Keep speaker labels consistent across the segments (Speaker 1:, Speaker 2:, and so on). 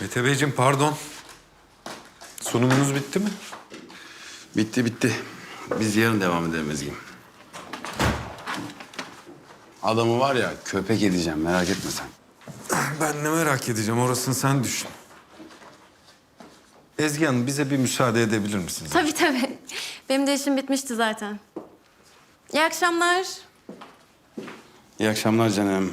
Speaker 1: Mete Beyciğim pardon. Sunumunuz bitti mi?
Speaker 2: Bitti. Biz yarın devam edelim Ezgi'm. Adamı var ya köpek edeceğim, merak etme sen.
Speaker 1: Ben ne merak edeceğim, orasını sen düşün. Ezgi Hanım, bize bir müsaade edebilir misiniz?
Speaker 3: Tabii. Benim de işim bitmişti zaten. İyi akşamlar.
Speaker 2: İyi akşamlar canım.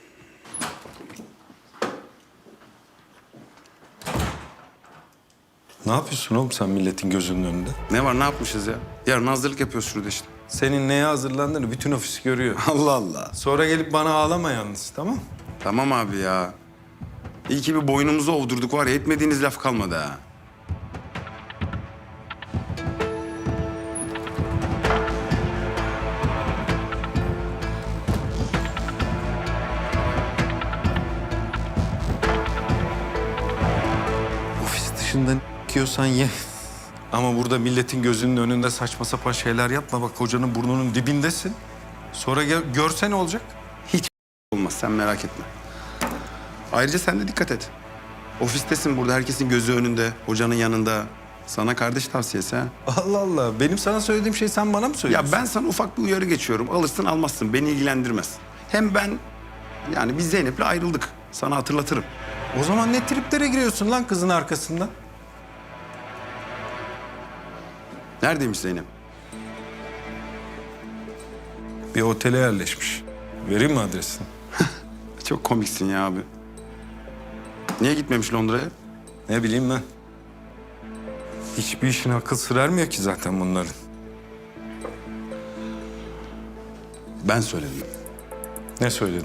Speaker 1: Ne yapıyorsun oğlum sen milletin gözünün önünde?
Speaker 2: Ne var, ne yapmışız ya? Yarın hazırlık yapıyoruz şurada işte.
Speaker 1: Senin neye hazırlandığını bütün ofis görüyor.
Speaker 2: Allah Allah.
Speaker 1: Sonra gelip bana ağlama yalnız, tamam?
Speaker 2: Tamam abi ya. İyi ki bir boynumuzu ovdurduk var ya, etmediğiniz laf kalmadı ha.
Speaker 1: Ofis dışında yiyorsan ye. Ama burada milletin gözünün önünde saçma sapan şeyler yapma. Bak hocanın burnunun dibindesin. Sonra görse ne olacak?
Speaker 2: Hiç olmaz, sen merak etme. Ayrıca sen de dikkat et. Ofistesin burada, herkesin gözü önünde, hocanın yanında. Sana kardeş tavsiyesi ha.
Speaker 1: Allah Allah. Benim sana söylediğim şey sen bana mı söylüyorsun?
Speaker 2: Ya ben sana ufak bir uyarı geçiyorum. Alırsın almazsın, beni ilgilendirmez. Hem ben, yani biz Zeynep'le ayrıldık. Sana hatırlatırım.
Speaker 1: O zaman ne triplere giriyorsun lan kızın arkasından?
Speaker 2: Neredeymiş Zeynep?
Speaker 1: Bir otele yerleşmiş. Vereyim mi adresini?
Speaker 2: Çok komiksin ya abi. Niye gitmemiş Londra'ya?
Speaker 1: Ne bileyim ben. Hiçbir işin akıl sır ermiyor ki zaten bunların.
Speaker 2: Ben söyledim.
Speaker 1: Ne söyledin?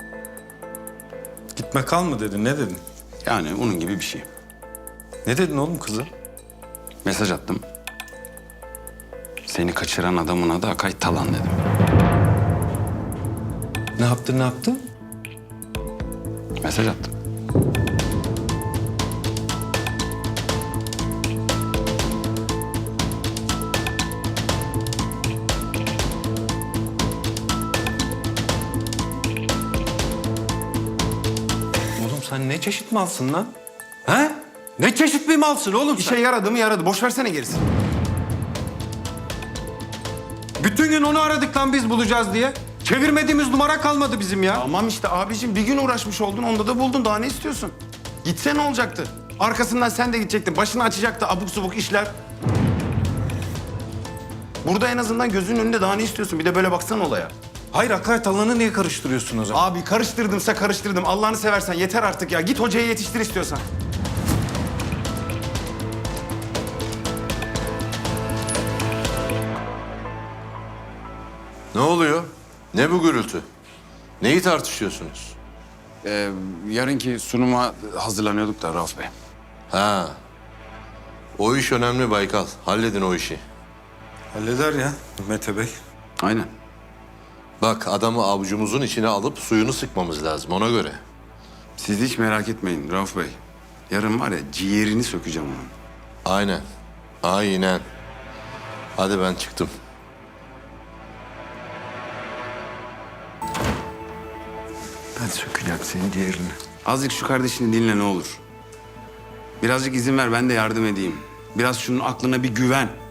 Speaker 1: Gitme kal mı dedin, ne dedin?
Speaker 2: Yani onun gibi bir şey.
Speaker 1: Ne dedin oğlum kıza?
Speaker 2: Mesaj attım. Seni kaçıran adamın adı Akay Talan dedim.
Speaker 1: Ne yaptın?
Speaker 2: Mesaj attım.
Speaker 1: Oğlum sen ne çeşit malsın lan? Ha? Ne çeşit bir malsın oğlum sen?
Speaker 2: İşe yaradı mı yaradı. Boş versene gerisini.
Speaker 1: Bütün gün onu aradık lan biz bulacağız diye. Çevirmediğimiz numara kalmadı bizim ya.
Speaker 2: Tamam işte abicim, bir gün uğraşmış oldun, onda da buldun. Daha ne istiyorsun? Gitse ne olacaktı? Arkasından sen de gidecektin. Başını açacaktı abuk subuk işler. Burada en azından gözünün önünde, daha ne istiyorsun? Bir de böyle baksana olaya.
Speaker 1: Hayır, Akay Talan'ı niye karıştırıyorsun o zaman?
Speaker 2: Abi karıştırdımsa karıştırdım. Allah'ını seversen yeter artık ya. Git hocayı yetiştir istiyorsan.
Speaker 4: Ne oluyor? Ne bu gürültü? Neyi tartışıyorsunuz?
Speaker 2: Yarınki sunuma hazırlanıyorduk da Rauf Bey.
Speaker 4: Ha. O iş önemli Baykal. Halledin o işi.
Speaker 1: Halleder ya Mete Bey.
Speaker 2: Aynen.
Speaker 4: Bak adamı avucumuzun içine alıp suyunu sıkmamız lazım ona göre.
Speaker 2: Siz hiç merak etmeyin Rauf Bey. Yarın var ya, ciğerini sökeceğim onun.
Speaker 4: Aynen. Aynen. Hadi ben çıktım.
Speaker 1: Ben sökeceğim senin ciğerini.
Speaker 2: Azıcık şu kardeşini dinle ne olur. Birazcık izin ver, ben de yardım edeyim. Biraz şunun aklına bir güven.